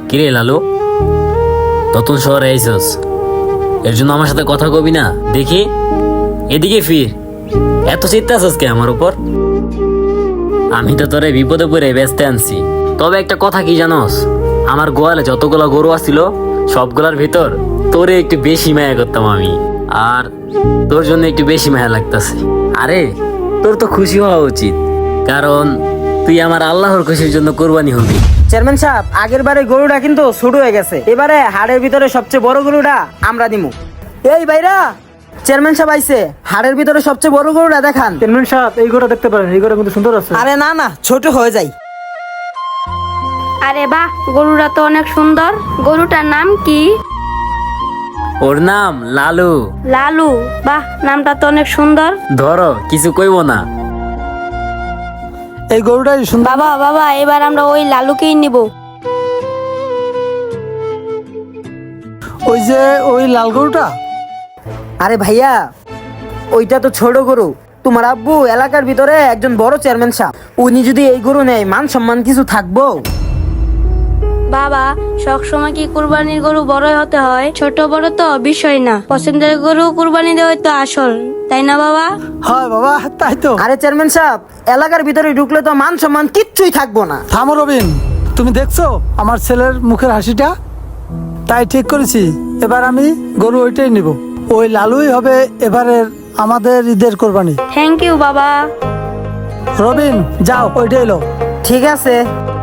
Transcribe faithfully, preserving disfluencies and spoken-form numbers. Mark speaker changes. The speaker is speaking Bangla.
Speaker 1: কিরে লালু, নতুন শহরে আইসস, এর জন্য আমার সাথে কথা কবি না? দেখি এদিকে ফির, এত চিন্তা আছিস কে আমার উপর? আমি তো তোরে বিপদে পড়ে ব্যস্ত আনছি। তবে একটা কথা কি জানোস, আমার গোয়ালে যতগুলো গরু আছিল সবগুলার ভিতর তোরে একটু বেশি মায়া করতাম আমি, আর তোর জন্য একটু বেশি মায়া লাগতাছে। আরে তোর তো খুশি হওয়া উচিত, কারণ তুই আমার আল্লাহর খুশির জন্য কোরবানি হবি।
Speaker 2: চেয়ারম্যান সাহেব, আগের বারে গরুটা কিন্তু ছোট হয়ে গেছে, এবারে হাড়ের ভিতরে সবচেয়ে বড় গরুটা আমরা দিমু। এই ভাইরা, চেয়ারম্যান সাহেব আইছে, হাড়ের ভিতরে সবচেয়ে বড় গরুটা দেখান।
Speaker 3: চেয়ারম্যান সাহেব, এই গরুটা দেখতে পারেন, এই গরুটা কিন্তু সুন্দর আছে।
Speaker 2: আরে না না, ছোট হয়ে যায়।
Speaker 4: আরে বাহ, গরুটা তো অনেক সুন্দর। গরুটার নাম কি?
Speaker 1: ওর নাম লালু।
Speaker 4: লালু? বাহ, নামটা তো অনেক সুন্দর।
Speaker 1: ধরো, কিছু কইব না।
Speaker 3: এই গরুটাই সুন্দর।
Speaker 4: বাবা বাবা, এবার আমরা ওই লালুকেই নিব।
Speaker 3: ওই যে ওই লাল গরুটা।
Speaker 2: আরে ভাইয়া, ওইটা তো ছোট গরু। তোমার আব্বু এলাকার ভিতরে একজন বড় চেয়ারম্যান সাহেব, উনি যদি এই গরু নেয় মান সম্মান কিছু থাকবো?
Speaker 4: বাবা, সবসময় কি কুরবানির গরু বড় হতে হয়? ছোট বড় তো বিষয় না, পছন্দের গরু কুরবানি দেওয়াই তো আসল, তাই না বাবা?
Speaker 3: হ্যাঁ বাবা, তাই তো।
Speaker 2: আরে চেয়ারম্যান সাহেব, এলাকার ভিতরে ঢুকলে তো মান সম্মান কিচ্ছুই থাকবো না।
Speaker 3: থামো রবিন, তুমি দেখছো আমার ছেলের মুখের হাসিটা? তাই ঠিক করেছি, এবার আমি গরু ওইটাই নিব। ওই লালুই হবে এবারের আমাদের ঈদের কোরবানি।
Speaker 4: থ্যাংক ইউ বাবা।
Speaker 3: রবিন, যাও ওইটাই লো।
Speaker 2: ঠিক আছে।